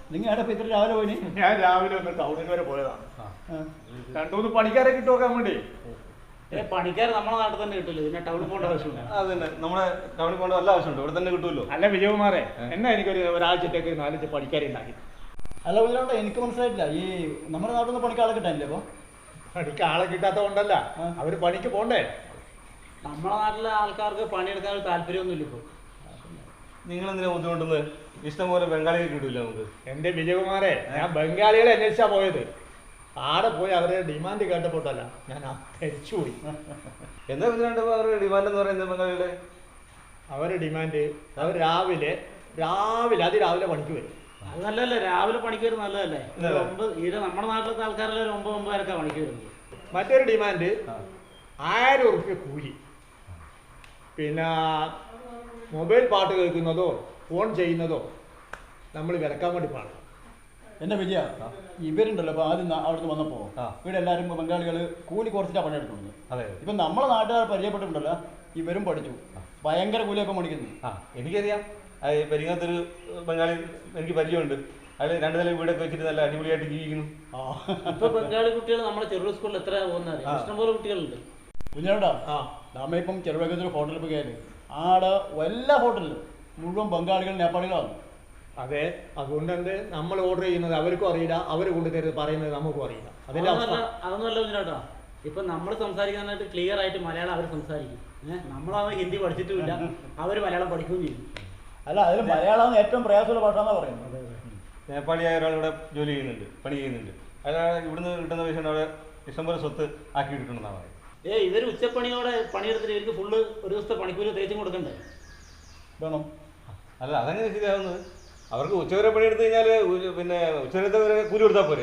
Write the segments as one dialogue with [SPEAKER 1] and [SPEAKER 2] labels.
[SPEAKER 1] നിങ്ങൾ എവിടെ ഇത്ര രാവിലെ പോയിന്?
[SPEAKER 2] ഞാൻ രാവിലെ ഒന്ന് ടൗണിൽ വരെ പോയതാണ്. 2-3 പണിക്കാരെ കിട്ടുമോക്കാൻ വേണ്ടി.
[SPEAKER 3] പണിക്കാർ നമ്മുടെ നാട്ടിൽ തന്നെ കിട്ടില്ല, പിന്നെ ടൗണിൽ പോകേണ്ട ആവശ്യമില്ല.
[SPEAKER 4] അതന്നെ, നമ്മുടെ ടൗണിൽ പോകേണ്ട വല്ല ആവശ്യമുണ്ട്, ഇവിടെ തന്നെ കിട്ടുമല്ലോ.
[SPEAKER 2] അല്ല വിജയകുമാറെ, എന്നാ എനിക്കൊരു ഒരാഴ്ചത്തേക്ക് 4 പണിക്കാരെ ഉണ്ടാക്കി.
[SPEAKER 1] അല്ല ഇതിലോട്ട് എനിക്ക് മനസ്സിലായിട്ടില്ല, ഈ നമ്മുടെ നാട്ടിൽ നിന്ന് പണിക്ക് ആളെ കിട്ടാനില്ലേ? അപ്പോൾ
[SPEAKER 2] പണിക്ക് ആളെ കിട്ടാത്ത കൊണ്ടല്ല, അവര് പണിക്ക് പോണ്ടേ.
[SPEAKER 3] നമ്മുടെ നാട്ടിലെ ആൾക്കാർക്ക് പണിയെടുക്കാൻ ഒരു താല്പര്യമൊന്നുമില്ല ഇപ്പോൾ.
[SPEAKER 4] നിങ്ങൾ എന്തിനാ ബുദ്ധിമുട്ടുന്നത്? ഇഷ്ടംപോലെ ബംഗാളികൾ കിട്ടൂല നമുക്ക്.
[SPEAKER 2] എന്റെ വിജയകുമാറെ, ഞാൻ ബംഗാളികളെ അന്വേഷിച്ചാ പോയത്. ആടെ പോയി അവരുടെ ഡിമാൻഡ് കേട്ടപ്പോട്ടല്ല ഞാൻ ധരിച്ചുപോയി.
[SPEAKER 4] എന്താ ഇതിനാണ്ട് അവരുടെ ഡിമാൻഡ് എന്ന് പറയുന്നത്? ബംഗാളികളുടെ
[SPEAKER 2] അവരുടെ ഡിമാൻഡ്, അവർ രാവിലെ അതിരാവിലെ പണിക്ക് വരും.
[SPEAKER 3] അത് നല്ലതല്ലേ, രാവിലെ പണിക്ക് വരും നല്ലതല്ലേ. ഇത് നമ്മുടെ നാട്ടിലത്തെ ആൾക്കാരെല്ലാം ഒരു 9-9:30 പണിക്ക് വരുന്നത്.
[SPEAKER 2] മറ്റൊരു ഡിമാൻഡ് 1000 ഉറുപ്പ്യ കൂലി, പിന്നെ മൊബൈൽ പാട്ട് കേൾക്കുന്നതോ ഫോൺ ചെയ്യുന്നതോ നമ്മൾ വിലക്കാൻ വേണ്ടി പാടില്ല.
[SPEAKER 1] എൻ്റെ വിജയ, ഇവരുണ്ടല്ലോ അപ്പോൾ ആദ്യം അവിടുന്ന് വന്നപ്പോൾ ഇവിടെ എല്ലാവരും ബംഗാളികൾ കൂലി കുറച്ചിട്ടാണ് പണിയെടുക്കുന്നത്.
[SPEAKER 4] അതെ,
[SPEAKER 1] ഇപ്പം നമ്മളെ നാട്ടുകാർ പരിചയപ്പെട്ടിട്ടുണ്ടല്ലോ, ഇവരും പഠിച്ചു ഭയങ്കര കൂലിയൊക്കെ പണിക്കുന്നു.
[SPEAKER 4] എനിക്കറിയാം. പെരിങ്ങാത്തൊരു ബംഗാളി എനിക്ക് പരിചയമുണ്ട്. അയാൾ 2 നില വീടൊക്കെ വെച്ചിട്ട് നല്ല അടിപൊളിയായിട്ട് ജീവിക്കുന്നു.
[SPEAKER 3] ഇപ്പൊ ബംഗാളി കുട്ടികൾ നമ്മുടെ ചെറുപുഴ സ്കൂളിൽ എത്ര പോകുന്നത്? ഇഷ്ടംപോലെ കുട്ടികളുണ്ട്.
[SPEAKER 1] കുഞ്ഞാടാ, നമ്മ ഇപ്പം ചെറുപുഴത്തൊരു ഹോട്ടലിൽ പോയി കയറി, ആടെ എല്ലാ ഹോട്ടലിലും മുഴുവൻ ബംഗാളികൾ നേപ്പാളികളാണ്.
[SPEAKER 2] അതെ, അതുകൊണ്ട് എന്ത് നമ്മൾ ഓർഡർ ചെയ്യുന്നത് അവർക്കും അറിയില്ല, അവർ കൊണ്ടുതരുന്നത് പറയുന്നത് നമുക്കും അറിയില്ല.
[SPEAKER 3] അതൊന്നുമല്ല കുഞ്ഞാട്ടാ, ഇപ്പൊ നമ്മൾ സംസാരിക്കാനായിട്ട് ക്ലിയർ ആയിട്ട് മലയാളം അവർ സംസാരിക്കും. നമ്മളത് ഹിന്ദി പഠിച്ചിട്ടുമില്ല, അവർ മലയാളം പഠിക്കുകയും ചെയ്യും.
[SPEAKER 1] അല്ല, അതിൽ മലയാളമാണ് ഏറ്റവും പ്രയാസമുള്ള ഭാഷ എന്നാണ് പറയുന്നത്.
[SPEAKER 4] നേപ്പാളിയായ ഒരാൾ ഇവിടെ ജോലി ചെയ്യുന്നുണ്ട്, പണി ചെയ്യുന്നുണ്ട്. അയാൾ ഇവിടുന്ന് കിട്ടുന്ന പൈസ അവിടെ ഇഷ്ടംപോലെ സ്വത്ത് ആക്കി കിട്ടണമെന്നാണ് പറയുന്നത്.
[SPEAKER 3] ഇവർ ഉച്ചപ്പണിയോടെ പണിയെടുത്തിട്ട് ഇവർക്ക് ഫുള്ള് ഒരു ദിവസത്തെ പണിക്കൂലി തേച്ചും കൊടുക്കണ്ടേ?
[SPEAKER 1] വേണം.
[SPEAKER 4] അല്ല, അതങ്ങനെ ശരിയാവുന്നത്. അവർക്ക് ഉച്ചവരെ പണിയെടുത്ത് കഴിഞ്ഞാൽ പിന്നെ ഉച്ചവരത്തെ വരെ കൂലി കൊടുത്താൽ പോരെ?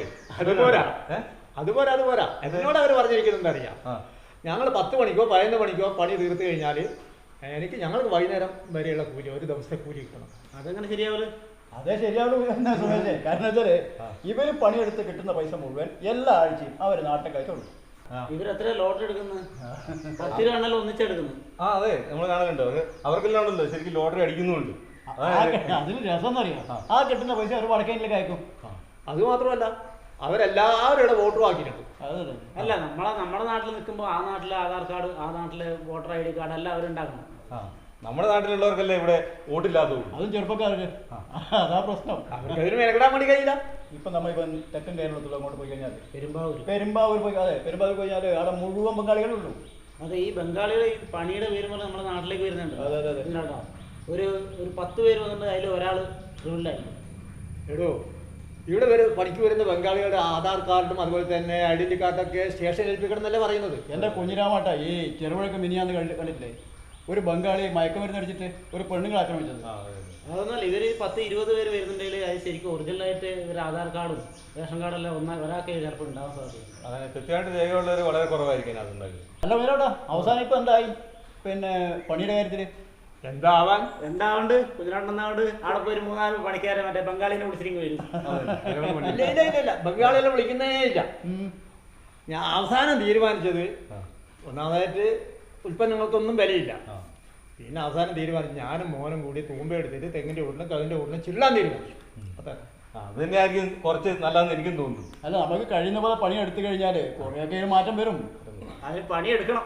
[SPEAKER 2] അതുപോരാ എന്നോട് അവർ പറഞ്ഞിരിക്കുന്നുണ്ട് അറിയാം. ഞങ്ങൾ 10 മണിക്കോ 11 മണിക്കോ പണി തീർത്ത് കഴിഞ്ഞാൽ ഞങ്ങൾക്ക് വൈകുന്നേരം വരെയുള്ള കൂലി, ഒരു ദിവസത്തെ കൂലി കിട്ടണം.
[SPEAKER 3] അതെങ്ങനെ ശരിയാവില്ല?
[SPEAKER 1] അതേ ശരിയാവുള്ളൂ എന്നാ സുമേഷേ. കാരണം വെച്ചാല് ഇവര് പണിയെടുത്ത് കിട്ടുന്ന പൈസ മുഴുവൻ എല്ലാ ആഴ്ചയും അവർ നാട്ടിൽ കഴിച്ചുള്ളൂ.
[SPEAKER 3] ഇവരെത്ര ലോട്ടറി എടുക്കുന്നത്? 10 രൂപ ഒന്നിച്ചെടുക്കുന്നത്.
[SPEAKER 4] അതെ, നമ്മൾ കാണലുണ്ടോ? അവർക്കെല്ലാം ഉണ്ടല്ലോ ശരിക്കും ലോട്ടറി അടിക്കുന്നുണ്ട്.
[SPEAKER 1] അതിന് രസം എന്നറിയാം, ആ കിട്ടുന്ന പൈസ അവർ വടക്കേനിലേക്ക് അയക്കും.
[SPEAKER 2] അത് മാത്രമല്ല, അവരെല്ലാവരുടെ വോട്ടും ആക്കിയിട്ടുണ്ട്.
[SPEAKER 3] അല്ല, നമ്മുടെ നാട്ടിൽ നിൽക്കുമ്പോൾ ആ നാട്ടിലെ ആധാർ കാർഡ്, ആ നാട്ടിലെ വോട്ടർ ID കാർഡ് എല്ലാം അവരുണ്ടാക്കണം.
[SPEAKER 4] നമ്മുടെ നാട്ടിലുള്ളവർക്കല്ലേ ഇവിടെ വോട്ടില്ലാത്തത്,
[SPEAKER 1] അതും ചെറുപ്പക്കാർക്ക്. അതാ പ്രശ്നം.
[SPEAKER 2] അവർക്ക് അതിന് മെനക്കെടാൻ വേണ്ടി കഴിയില്ല.
[SPEAKER 1] ഇപ്പം നമ്മളിപ്പം തെക്കൻ കേരളത്തിൽ അങ്ങോട്ട് പോയി കഴിഞ്ഞാൽ
[SPEAKER 3] പെരുമ്പാവൂർ
[SPEAKER 1] പോയി, അതെ പെരുമ്പാവൂർ പോയി കഴിഞ്ഞാൽ അവിടെ മുഴുവൻ ബംഗാളികളുള്ളൂ.
[SPEAKER 3] അതെ, ഈ ബംഗാളികൾ ഈ പണിയുടെ പേര് പോലെ നമ്മുടെ നാട്ടിലേക്ക് വരുന്നുണ്ട്.
[SPEAKER 1] അതെ.
[SPEAKER 3] ഒരു 10 പേര് വന്നിട്ട് അതിൽ ഒരാൾ ക്രിമിനലായിരിക്കും.
[SPEAKER 2] എടോ, ഇവിടെ പണിക്ക് വരുന്ന ബംഗാളികളുടെ ആധാർ കാർഡും അതുപോലെ തന്നെ ഐഡന്റി കാർഡൊക്കെ സ്റ്റേഷനിൽ ഏൽപ്പിക്കണം എന്നല്ലേ പറയുന്നത്.
[SPEAKER 1] എൻ്റെ കുഞ്ഞിരാമാട്ട, ഈ ചെറുപുഴക്ക് മിനിയാന്ന് കണ്ടിട്ടില്ലേ ഒരു ബംഗാളി മയക്കുമരുന്ന് അടിച്ചിട്ട് ഒരു പെണ്ണുങ്ങൾ ആക്രമിച്ചത്?
[SPEAKER 3] അതൊന്നല്ല, ഇവർ 10-20 പേര് വരുന്നുണ്ടെങ്കിൽ അത് ശരിക്കും ഒറിജിനലായിട്ട് ഇവർ ആധാർ കാർഡും റേഷൻ കാർഡെല്ലാം ഒരാൾക്ക് ചിലപ്പോൾ ഉണ്ടാവാൻ സാധിക്കും.
[SPEAKER 4] അങ്ങനെ കൃത്യമായിട്ട് രേഖയുള്ളവർ വളരെ കുറവായിരിക്കും അതുണ്ടാകും.
[SPEAKER 1] അല്ല വേറോട്ടാ, അവസാനം ഇപ്പം എന്തായി പിന്നെ പണിയുടെ കാര്യത്തിൽ?
[SPEAKER 3] എന്താവുണ്ട് കുഞ്ഞിരാണ്ടെന്നാണ്ട് അവിടെ പോയി 3-4 പണിക്കാരെ മറ്റേ ബംഗാളിനെ വിളിച്ചിരിക്കും വരും.
[SPEAKER 2] ഇല്ല, ബംഗാളികളെ വിളിക്കുന്നേ ഇല്ല. ഞാൻ അവസാനം തീരുമാനിച്ചത്, ഒന്നാമതായിട്ട് ഉൽപ്പന്നങ്ങൾക്കൊന്നും വിലയില്ല. പിന്നെ അവസാനം തീരുമാനിച്ചു ഞാനും മോനും കൂടി തൂമ്പെടുത്തിട്ട് തെങ്ങിന്റെ ഉള്ളിലും കവിന്റെ ഉള്ളിലും ചില്ലാൻ തീരുമാനിച്ചു.
[SPEAKER 4] അത് തന്നെയായിരിക്കും കുറച്ച് നല്ലതെന്ന് എനിക്കും തോന്നുന്നു.
[SPEAKER 1] അല്ല, നമുക്ക് കഴിയുന്ന പോലെ പണി എടുത്തു കഴിഞ്ഞാൽ കുറേയൊക്കെ മാറ്റം വരും.
[SPEAKER 3] അതിന് പണിയെടുക്കണം.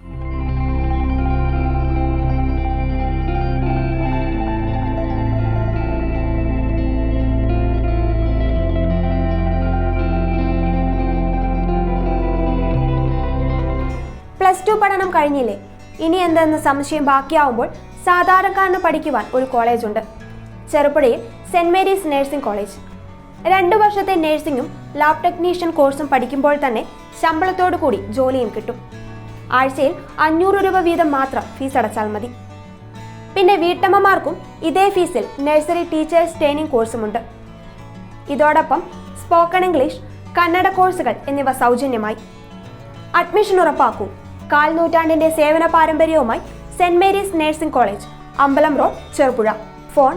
[SPEAKER 5] +2 പഠനം കഴിഞ്ഞില്ലേ? ഇനി എന്തെന്ന് സംശയം ബാക്കിയാവുമ്പോൾ സാധാരണക്കാരന് പഠിക്കുവാൻ ഒരു കോളേജുണ്ട്. ചെറുപുഴയിൽ സെന്റ് മേരീസ് നഴ്സിംഗ് കോളേജ്. 2 വർഷത്തെ നഴ്സിംഗും ലാബ് ടെക്നീഷ്യൻ കോഴ്സും പഠിക്കുമ്പോൾ തന്നെ ശമ്പളത്തോടു കൂടി ജോലിയും കിട്ടും. ആഴ്ചയിൽ 500 രൂപ വീതം മാത്രം ഫീസ് അടച്ചാൽ മതി. പിന്നെ വീട്ടമ്മമാർക്കും ഇതേ ഫീസിൽ നഴ്സറി ടീച്ചേഴ്സ് ട്രെയിനിങ് കോഴ്സുമുണ്ട്. ഇതോടൊപ്പം സ്പോക്കൺ ഇംഗ്ലീഷ്, കന്നഡ കോഴ്സുകൾ എന്നിവ സൗജന്യമായി. അഡ്മിഷൻ ഉറപ്പാക്കൂ. 1/4 നൂറ്റാണ്ടിന്റെ സേവന പാരമ്പര്യവുമായി saint Mary's nursing college, Ambalam road, Cherupuzha. Phone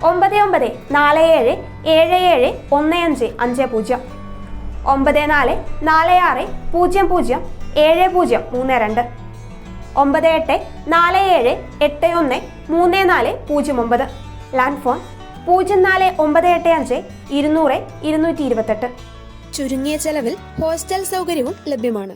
[SPEAKER 5] 9947771550, 9446007032, 9847813409. Land phone 0498 200 228.
[SPEAKER 6] ചുരുങ്ങിയ ചെലവിൽ ഹോസ്റ്റൽ സൗകര്യവും ലഭ്യമാണ്.